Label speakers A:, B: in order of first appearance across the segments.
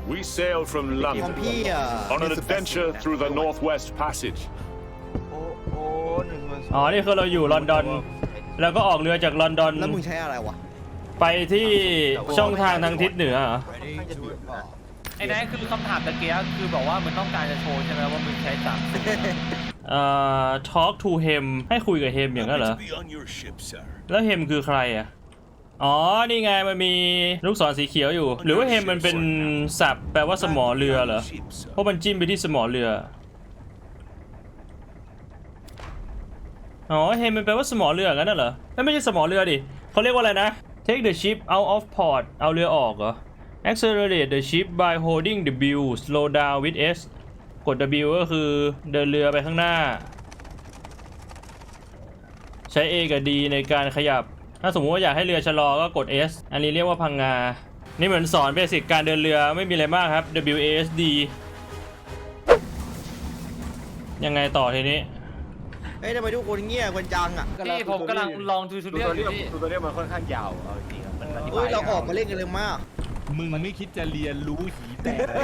A: We sailed from
B: ของ
A: London
B: พี่อ่ะ
A: on an adventure through the Northwest Passage.
C: โอ้1
D: อ๋อนี่คือเราอยู่ลอนดอนแล้วก็ออกเรือจากลอนดอน
B: แล้วมึงใช้อะไรวะ
D: ไปที่ช่องทางทางทิศเหนือเหรอ
E: ไอ้นั่นคือคำถามตะเกียคือบอกว่ามันต้องการจะโชว์ใช่ไหมว่ามึงใช้3
D: talk to him ให้คุยกับเฮมอย่างนั้นเหรอ
A: Be on your ship, sir.
D: แล้วเฮมคือใครอ่ะอ๋อนี่ไงมันมีลูกศรสีเขียวอยู่ หรือว่าเฮมมันเป็นศัพท์แปลว่าสมอเรือเหรอเพราะมันจิ้มไปที่สมอเรืออ๋อเฮมมันแปลว่าสมอเรืองั้นน่ะเหรอไม่ใช่สมอเรือดิเขาเรียกว่าอะไรนะ take the ship out of port เอาเรือออกเหรอ accelerate the ship by holding W slow down with S กด W ก็คือเดินเรือไปข้างหน้าใช้ A กับ D ในการขยับถ้าสมมติว่าอยากให้เรือชะลอก็กด S อันนี้เรียกว่าพังงานี่เหมือนสอนเบสิกการเดินเรือไม่มีอะไรมากครับ WASD ยังไงต่อทีนี้
B: เฮ้ยทำไมทุกคนเงียบกันจังอ่ะ
E: ที่ผมกำลังลองทูทูเรียลอยู่ที่
C: ตัวเรียกมันค่อนข้างยาวเอาจริงๆมันอธิบา
B: เฮ้ย
C: ย
B: เราออกมาเล่นกันเลยมาก
F: มึงไม่คิดจะเรียนรู้หีแตกเลย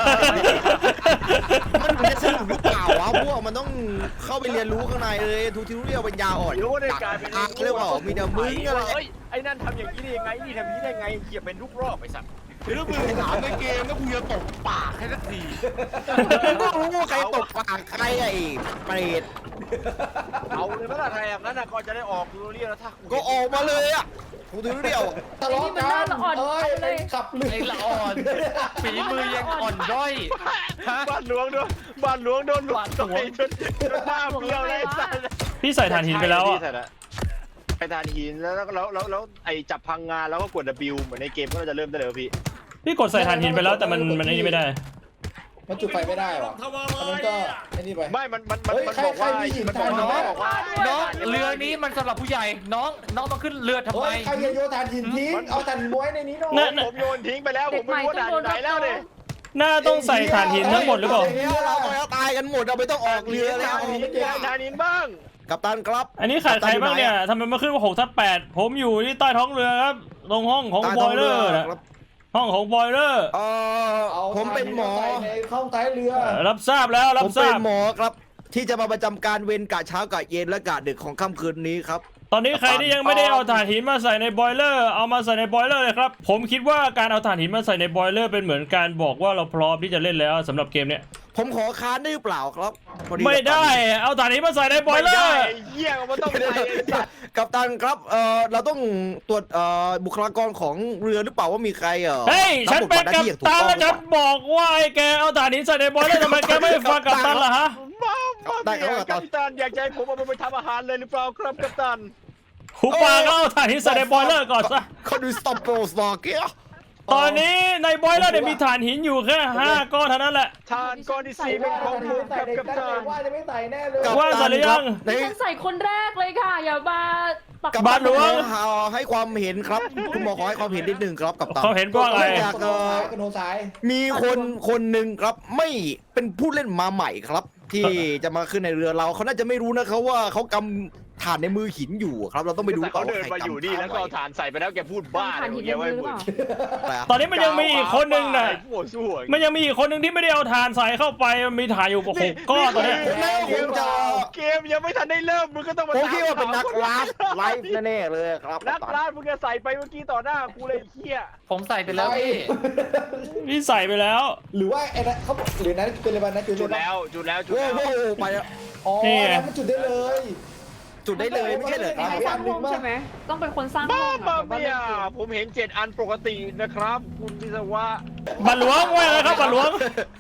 B: มันจะสนุกหรือเปล่าวะพวกมันต้องเข้าไปเรียนรู้ข้างในเลยทุกทีรู้เรียวปัญญาอ่อน
C: รู้ในการเป็น
B: เรียกว่ามีแต่มึงอะไร
C: เฮ้ยไอ้นั่นทำอย่างนี้ได้ยังไงนี่ทำอย่างนี้ได้ไงเกียบเป็นลูกรอบไอ้สัตว์
F: แล้วมึงถามในเกมแล้วกูจะตกปากให้สักที
B: ก็รู้ว่าใครตกปากใครไอ้เปรต
C: เอาเลยเมื่อไหร่อย่างนั้นก็จะได้ออกทูเรียลแล้วถ้า
B: ก็ออกมาเลยอ่ะทุกทีรู้เรียว
G: ทะเลาะกันเลย
F: ขับเรือ
E: ไอ้ละอ่อนฝีมือยังอ่อนด้อยฮะ
C: บ้านหลวงโดนบ้านหลวงโดนหลวงต่อยจนหน้าเบี้ยวเลยสัตว์
D: พี่ใส่ถ่านหินไปแล้วอ่ะ
C: ไปถ่านหินแล้วไอ้จับพังงานแล้วก็กด W เหมือนในเกมก็จะเริ่มได้เลยพี่
D: พี่กดใส่ถ่านหินไปแล้วแต่มันไอ้นี่ไม่ได้
F: มันจุดไฟไม่ได้หรออันนั้นก็ไอ้นี่ไป
C: ไม่มัน
F: เฮ้ย
C: บอกว่า
F: ใครมีหิน
C: มัน
F: ทาน
C: บอกว่า
E: น้องเรือนี้มันสำหรับผู้ใหญ่น้องต้องขึ้นเรือทำไม
F: เฮ้ยใครโยนถ่านหินทิ้งเอาถ่านหินไว้ในนี้หน่อย
C: ผมโยนทิ้งไปแล้วผมไม่รู้ว่าด่านไหนแล้วเนี่ย
D: หน้าต้องใส่ถ่านหินทั้งหมดหรือเปล่า
B: เราก็ตายกันหมดเราไม่ต้องออกเรือแล้ว
C: ทานหินบ้าง
B: กัปตันครับ
D: อันนี้ขาดใครบ้างเนี่ยทำไมมาขึ้นว่า6/8ผมอยู่ที่ใต้ท้องเรือครับตรงห้องของบอยเลอร์นะห้องของบอยเลอร์
B: ผมเป็นหมอ
F: ในข้องท้ายเรือ
D: รับทราบแล้วรั
B: ผ
D: บ
B: ม
D: ทรา
B: เป็น
D: บ
B: หมอครับที่จะมาประจำการเวรกะเช้ากะเย็นและกะดึกของค่ำคืนนี้ครับ
D: ตอนนี้ใครที่ยังไม่ได้เอาถ่านหินมาใส่ในบอยเลอร์เอามาใส่ในบอยเลอร์เลยครับผมคิดว่าการเอาถ่านหินมาใส่ในบอยเลอร์เป็นเหมือนการบอกว่าเราพร้อมที่จะเล่นแล้วสำหรับเกมเนี้ย
B: ผมขอค้านได้หรือเปล่าครับพอ
D: ไม่ได้เอาถ่านหินมาใส่ในบอยเลอร์
C: เยี่ยมันต้องไป
B: กัปตันครับเราต้องตรวจบุคลากรของเรือหรือเปล่าว่ามีใคร
D: เฮ้ยฉันเป็นกัปตันแล้วฉันบอกว่าไอ้แกเอาถ่านหินใส่ในบอยเลอร์ทำไมแกไม่ฟังกัปตันล่ะฮะ
C: ได้ครับกัปตันอยากใจผมเอาไปทำอาหารเลยหรือเปล่าครับกัปตัน
D: หูปากก็เอาถ่านหินใส่ในบอยเลอร์ก่อนซะ
B: เขาดูสต็อปโปรสตอเกีย
D: ตอนนี้ในบอยเลอร์เนี่ยมีถ่านหินอยู่แค่5 ก้อนเท่านั้นแหละ
C: ทานก้อนที่4เป็นของผมครับกัปตัน
F: ว่าจะไม่ใส่แน่เลย
D: ว่าใส่หรือยัง
G: ฉันใส่คนแรกเลยค่ะอย่ามาปัก
B: กัป
D: บ้า
B: ตั
D: น
B: น
D: หลวง
B: ขอให้ความเห็นครับคุณหมอขอให้ความเห็นนิดหนึ่งครับกัปตัน
D: เขาเห็นว่าไง
B: จาก
F: กระโดดสาย
B: มีคนหนึ่งครับไม่เป็นผู้เล่นมาใหม่ครับ ที่จะมาขึ้นในเรือเราเขาน่าจะไม่รู้นะครับว่าเขากำถ่านในมือหินอยู่ครับเราต้องไปดู
C: เขาเดินมาอยู่นี่แล้วก็เอาถ่านใส่ไปแล้วแกพูดบ้า
G: ผ่าน
C: อะไร
G: หิน
C: เงี้ย
G: มื
C: ไว้
G: อหรือ
C: บุญ
G: เปล่า
D: ตอนนี้มันยังมีอีกคนนึงน่ะ
C: หัวสู้
D: มันยังมีอีกคนนึงที่ไม่ได้เอาถ่านใส่เข้าไปมันมีถ่านอยู่6 ก้อนตอนนี้
C: เกมยังไม่ทันได้เริ่มมึงก็ต้องมา
B: ผมคิดว่าเป็นนักไลฟ์แน่ๆเลยครับ
C: นักล่ามึงจะใส่ไปเมื่อกี้ต่อหน้ากูเลยเฮีย
E: ผมใส่ไปแล้วพี่
D: พี่ใส่ไปแล้ว
F: หรือว่าไอ้นั้นเขาหรือนั้นจุดอะไรบ้างนะจุด
C: จุด
F: อะไร
C: แล้วจุดแล้วจุด
B: โอ้
C: แล้ว
B: โหไปแล้ว
F: อ๋อแล้วมันจุดได้เลย
B: จุดได้เลยไม่ใช่เหรอครับ
G: ไม่สร้างห้องใช่ไหมต้องเป็นคนสร้างห้
C: บ้า
G: อง
C: บ้าเมียผมเห็น7 อันปกตินะครับ คุณวิศวะ
D: บัตรหลวงว่าไงครับบัตรหลวง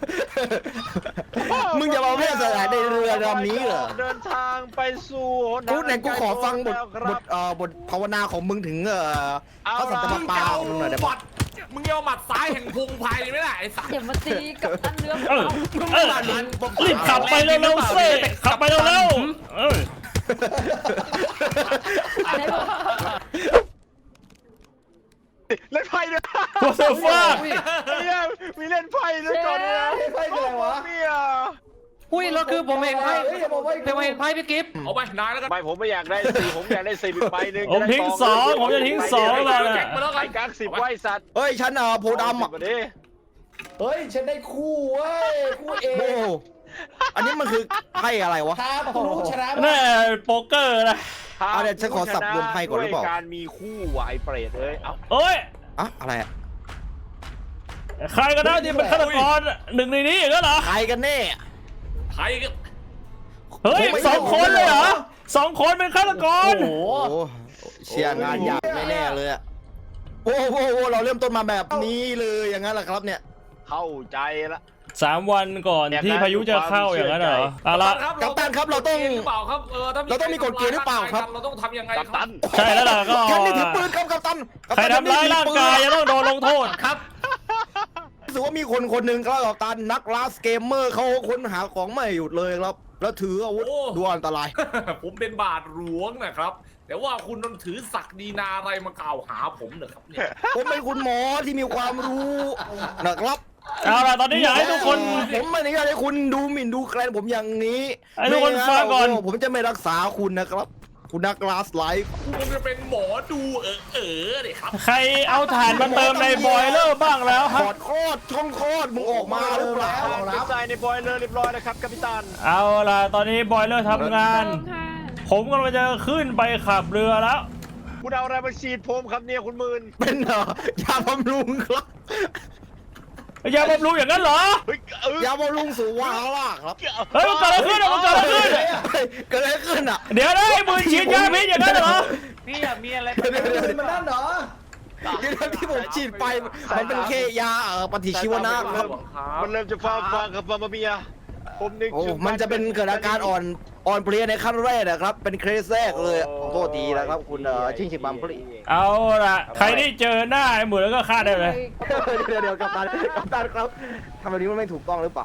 B: มึงจะมาเพื่อสถานในเรือลำนี้เหรอ
C: เดินทางไปสู่
B: กูไหนกูขอฟังบทภาวนาของมึงถึงพระสันตะปาของมึงหน่อยได้ปะ
H: มึงเอาหมัดซ้ายแห่งพุงพายไม่ได้ไอ้สัส
G: อย่ามาตีกับอันเรือ
D: เออรีบขับไปเร็วๆสิขับไปเร็วๆ
G: อะไรบอก
C: เล่นไพ่ด้วย
D: What the fuck
C: มีเล่นไพ่ด้วยก่อนนะ
F: ไพ่คืออะไรวะ
C: เมีย
E: อุ้ยแล้วคือผมเห็นไพ่ผมเห็นไพ่พี่กิฟต์
H: เอาไปนายแล้วกัน
C: ไม่ผมไม่อยากได้4ผมอยากได้4อีกใบหนึ่ง
D: ผมทิ้ง2ผมจะทิ้ง2แล้ว
H: แจ็
D: นะ
H: คมาแล้ว
C: ไอ้
H: กัน
C: กั๊ก10ไว้สัตว์
B: เฮ้ยฉันโพดำอ่ะ
C: มาดิ
F: เฮ้ยฉันได้คู่เว้ยคู่เอ
B: โอ้อันนี้มันคือไพ่อะไรวะ
F: ทากูรู้ชนะ
D: แน่โป๊กเกอร์นะ
B: เอาเดี๋ยวฉันขอสับรวมไพ่ก่อนหรือเปล่า
C: ด้วยการมีคู่ว่ะไอ้เปรตเอ้ยเอ้า
D: เอ้ย
B: อะอะไรอะ
D: ใครก็ได้ที่เป็นฆาตกรหนึ่งในนี้อย่างนั้นเหรอ
B: ใครกันแน่
H: ใครก็
D: เฮ้ย
B: ผมไม่
D: 2 คนเลยเหรอ2 คนเป็นฆาตกร
F: โอ้โห
B: โอ้เชียร์งานยากแน่ๆเลยอะโอ้โหเราเริ่มต้นมาแบบนี้เลยอย่างนั้นแหละครับเนี่ย
C: เข้าใจละ
D: 3 วันก่อนที่พายุจะเข้าอย่างนั้นเหรอเอาละ
B: กัปตันครับเราต้อง
H: หรือเปล่าครับถ้า
B: เราต้องมีกฎเกณฑ์หรือเปล่าครับ
H: เราต้องทำยังไง
C: กัป
H: ค
C: ตั
H: รับ
C: น
D: ใช่แล้วล่ะก็
B: ท่านนี่ถือปืนครับกัปตันกัป
D: ใคร
B: ตัน
D: ทำร้ายร่างกายจะต้องโดนลงโทษ
E: ครับ
B: รู้สึกว่ามีคนคนหนึ่งครับกัปตันนักล่าเกมเมอร์เขาค้นหาของไม่หยุดเลยครับ แล้วถืออาวุธดูอันตราย
H: ผมเป็นบาทหลวงนะครับ แต่ว่าคุณต้องถือศักดินาอะไรมากล่าวหาผมเหรอครับเนี่ย
B: ผมเป็นคุณหมอที่มีความรู้นะครับ
D: เอาล่ะตอนนี้อยากให้ทุกคน
B: ผมไม่ได้อยากให้คุณดูหมิ่นดูแคลนผมอย่างนี้
D: ให้ทุกคนฟังก่อน
B: โผมจะไม่รักษาคุณนะครับ คุณนักลาสไลฟ์
H: คุณจะเป็นหมอดูเลยครับ
D: ใครเอาถ่านมาเติมในบอยเลอร์บ้างแล้ว
B: ถ
D: ฮะ
B: อดคลอดช่องคลอดมึงออกมาหรือเปล่า
C: รับใจในบอยเลอร์เรียบร้อยนะครับกัปตัน
D: เอาล่ะตอนนี้บอยเลอร์ทำงาน
G: เติมค่ะ
D: ผมกำลังจะขึ้นไปขับเรือแล้ว
C: คุณเอาอะไรมาฉีดผมครับเนี่ยคุณหมื่น
B: เป็นยาบำรุงครับ
D: อย่าบำรุงอย่างนั้นเหรอ
C: เฮ้ย
B: ยาบำรุงสู่วาระครับ
D: เฮ้ยมันเกิดอะไรขึ้นอะมันเกิดอะไรขึ้น
B: เฮ้ยเกิดอะไรขึ้นอ่ะ
D: เดี๋ยวนะไอ้มือฉีดยาพิษอย่างนั้นเหรอ
E: พี่อยากมีอะไร
B: เดี๋ยว
F: มันนั่นเหรอ
B: เดี๋ยวที่ผมฉีดไปมันเป็นแค่ยาปฏิชีวนะครับ
C: มันเริ่มจะฟังครับมาเมียผมนึก
B: โอ้
C: ถึง
B: มันจะเป็นเกิดอาการอ่อนเพลียในขั้นแรกนะครับ เป็นเคสแรกเลยขอโทษทีนะครับ คุณชิงชิบัมพลี
D: เอาล่ะใครที่เจอหน้าไอ้หมือแล้วก็ฆ่าได้เลย
B: เดี๋ยวกัปตันครับทำแบบนี้มันไม่ถูกต้องหรือเปล่า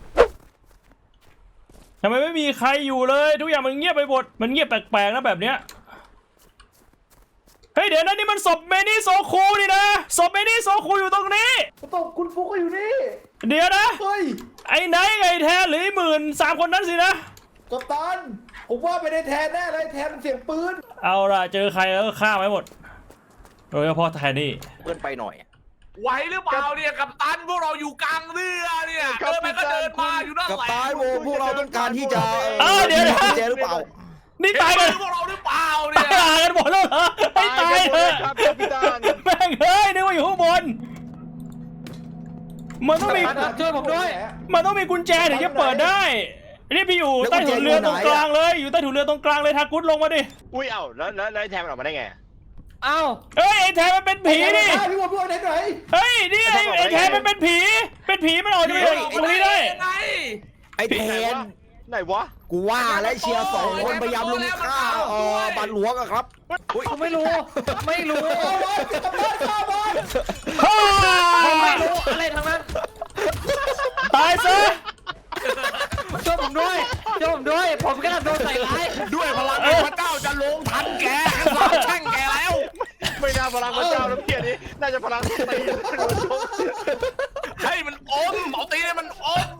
D: ทำไมไม่มีใครอยู่เลยทุกอย่างมันเงียบไปหมดมันเงียบแปลกๆนะแบบเนี้ยเฮ้ยเดี๋ยวนะนี่มันศพเมนี่โซคูนี่นะศพเมนี่โซคูอยู่ตรงนี้
F: ตบคุณฟุกก็อยู่นี่
D: เดี๋ยวนะ
F: เฮ้ย
D: ไอ้ไนท์ไอ้แทนหรือไอ้หมื่น3 คนนั้นสินะ
F: กัปตันผมว่าไม่ได้แทนแน่เลยแทนมันเสียงปืน
D: เอาล่ะเจอใครแล้วก็ฆ่าไว้หมดโดยเฉพาะแทนนี่
B: เกินไปหน่อย
H: ไหวหรือเปล่าเนี่ยกัปตันพวกเราอยู่กลางเรือเนี่ยเดินไปก็เดินมาอยู่นั่น
B: กับ
H: แหละ
B: ตายโวพวกเราต้องการที่จะ
D: เดี๋ยวนะ
B: กุญแจหรือเปล่า
D: นี่
H: เห็น
D: ตาย
H: มื
D: กัน
H: อพวกเราหรือเปล่า
D: ตา
H: เนี่ย
D: ยกันหมดแล้วเหรอให้ตายเถอะ
C: ครับกัปตัน
D: แม่งเฮ้ยนึกว่าอยู่ข้างบนมันต้องมี
E: ช่วยผมด้วย
D: มันต้องมีกุญแจถึงจะเปิดได้นี่พี่อยู่ใต้ถุนเรือตรงกลางเลยอยู่ใต้ถุนเรือตรงกลางเลยทากุดลงมาดิ
C: อุ้ยเอ้าแล้วไอ้แทนมันออกมาได้ไง
E: เอ้า
D: เอ้ยไอ้แทนมันเป็นผีนี่
F: พี่วพี่วไหนไหน
D: เฮ้ยนี่ไอ้แทนมันเป็นผีมันออกจะไปตรงนี้ได้
H: ไง
B: ไอ้แทน
C: ไหนวะ
B: กูว่าและเชียร์2 คนพยายามลุมฆ่าบัตรหลวงอะครับอุ๊ย
E: ผมไม่รู้ ไม่รู้
F: เอาไว้กัปตันข้าบอล
E: ผมไม่รู้อะไรทั้งนั้น
D: ตายซะ
E: ช่วยผมด้วยช่วยผมด้วย ผมกำลังโดนใส่ร้าย
H: ด้วยพลังแห่งพระเจ้าจะลงทันแกสาบแช่งแกแล้ว
C: ไม่น่าพลังพระเจ้าแล้วเพี้ยนี้น่าจะพลังตี
H: ให้มันอมเอาตีให้มันอม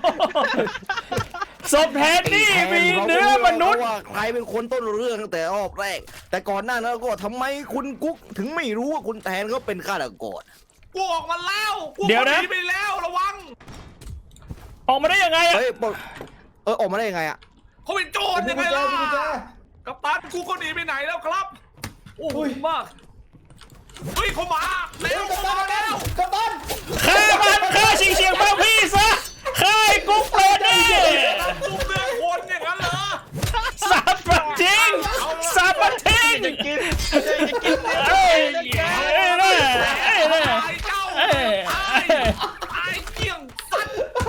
D: ศพแทนนี่มีเนื้อมนุษย์
B: ว่าใครเป็นคนต้นเรื่องตั้งแต่รอบแรก แต่ก่อนหน้านั้นก็ทำไมคุณกุ๊กถึงไม่รู้ว่าคุณแทนเขาเป็นฆาตกร
H: กูออกมาแล้วกู
D: เดี๋ยวนะ
H: หไปแล้วระวัง
D: ออกมาได้ยังไงอะ
B: เฮ้ยออกมาได้ยังไงอะ
H: เขาเป็นโจร
F: มี
H: ยัง
F: กุ
H: ไง
F: ญแจ
H: ล่ะ
F: มีกุญแจ
H: กัปตันกูก็หนีไปไหนแล้วครับโอ้โหมากเฮ้ยเขามาเร็ว
F: กัป
H: เขา
F: ตั
H: มาน แล้ว
F: กัปตัน
D: ฆ่ามันฆ่าชิงเฉียงเป้าพี่ซะฆ่าไอ้กุ๊กโปรนี่
H: ตุ้มเนื้อคนอย่างนั้นเหรอ
D: สาบมันทิ้งสาบมันทิ้ง
C: จะกินจะกินเนี่ย
D: เอ้ยเอ้ยเอ้ยเอ้ยเอ้ย
H: ตายเจ้า
D: เอ้ย
H: ตายเกี่ยงสัตว์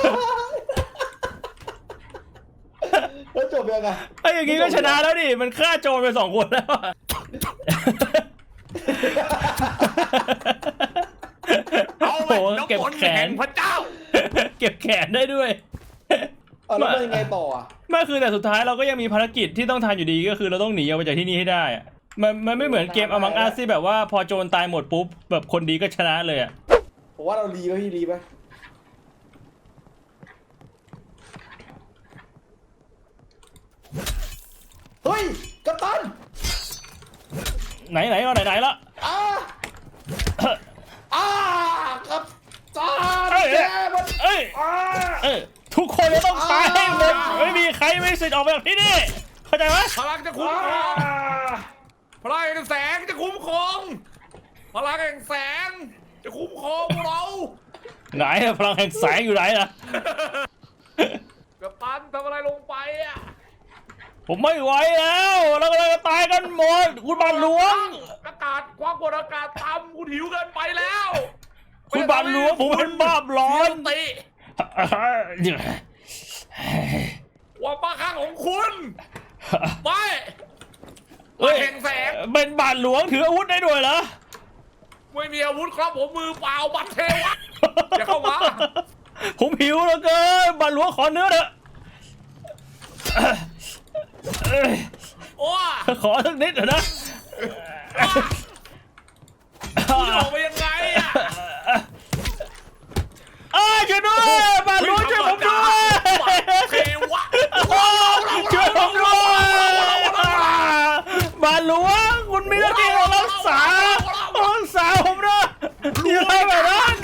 F: แล้วจบยังไง
D: ไอ้อย่างงี้ก็ชนะแล้วดิมันฆ่าโจรไป2 คนแล้วอะ
H: เอา
D: โอ้
H: ไป
D: โห
H: น้ำ
D: เก็บ
H: ฝน
D: แข
H: แห่
D: น
H: งพระเจ้า
D: เก็บแขนได้ด้วย
F: เอาแล้วมันยังไงต่ออ่ะ
D: ไม่คือแต่สุดท้ายเราก็ยังมีภารกิจที่ต้องทำอยู่ดีก็คือเราต้องหนีออกไปจากที่นี่ให้ได้อะมันไม่เหมือนเกม Among Us ที่แบบว่าพอโจรตายหมดปุ๊บแบบคนดีก็ชนะเลยอะ
F: ผมว่าเรารีไหมพี่รีไหมเฮ้ยกัปตัน
D: ไหนก็ไหนละ
F: อ่ากัปตัน
D: เอ้ย
F: แก
D: เอ้ยทุกคนจะต้องตายให้หมดไม่มีใครไม่มีสิทธิ์ออกไปจากที่นี่เข้าใจไหม
H: พลังจะคุ้มครองพลังแห่งแสงจะคุ้มครองพลังแห่งแสงจะคุ้มครองพวกเรา
D: ไหนอะพลังแห่งแสงอยู่ไหนล่ะ
H: กัปตันทำอะไรลงไปอ่ะ
D: ผมไม่ไหวแล้วเรากำลังจะตายกันหมดคุณบาทหลวง
H: อากาศความกดอากาศต่ำคุณหิวเกินไปแล้ว
D: คุณบาทหลวงผมเป็นบ้าร้อน
H: ติ ความบ้าคลั่งของคุณไม่
D: เฮ้ย
H: แห่งแสง
D: เป็นบาทหลวงถืออาวุธได้ด้วยเหรอ
H: ไม่มีอาวุธครับผมมือเปล่าบัตรเทวะอย่าเข้ามา
D: ผมหิวเหลือเกินบาทหลวงขอเนื้อเถอะ
H: โอ้
D: ขอสักนิดเถอะนะ
H: คุณออกไปยังไงอ่ะ
D: ช่วยด้วยบาทหลวงช่วยผมด้วย
H: เทวะ
D: ช่วยผมด้วยบาทหลวงคุณมีหน้าที่ต้องรักษาผมนะอย่าทำแบบนั้น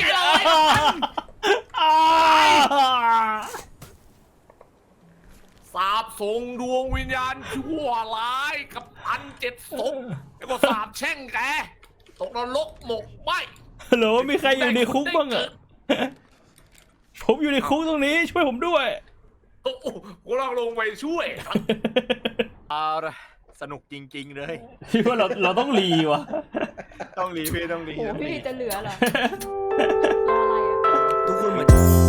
H: สาบส่งดวงวิญญาณชั่วร้ายกับอันเจ็ดศพแล้วก็สาบแช่งแกตกนรกหมกไหม
D: ฮัลโหลมีใครอยู่ในคุกบ้างอะผมอยู่ในคุกตรงนี้ช่วยผมด้วย
H: โอ้โหกูลองลงไปช่วยครับเอาละสนุกจริงๆเลย
D: พี่ว่าเราต้องรีวะ
C: ต้องรีพี่ต้องรี
G: โอ้โหพี่จะเหลือเหรอรออะไรอะ
B: ทุกคนเหมือน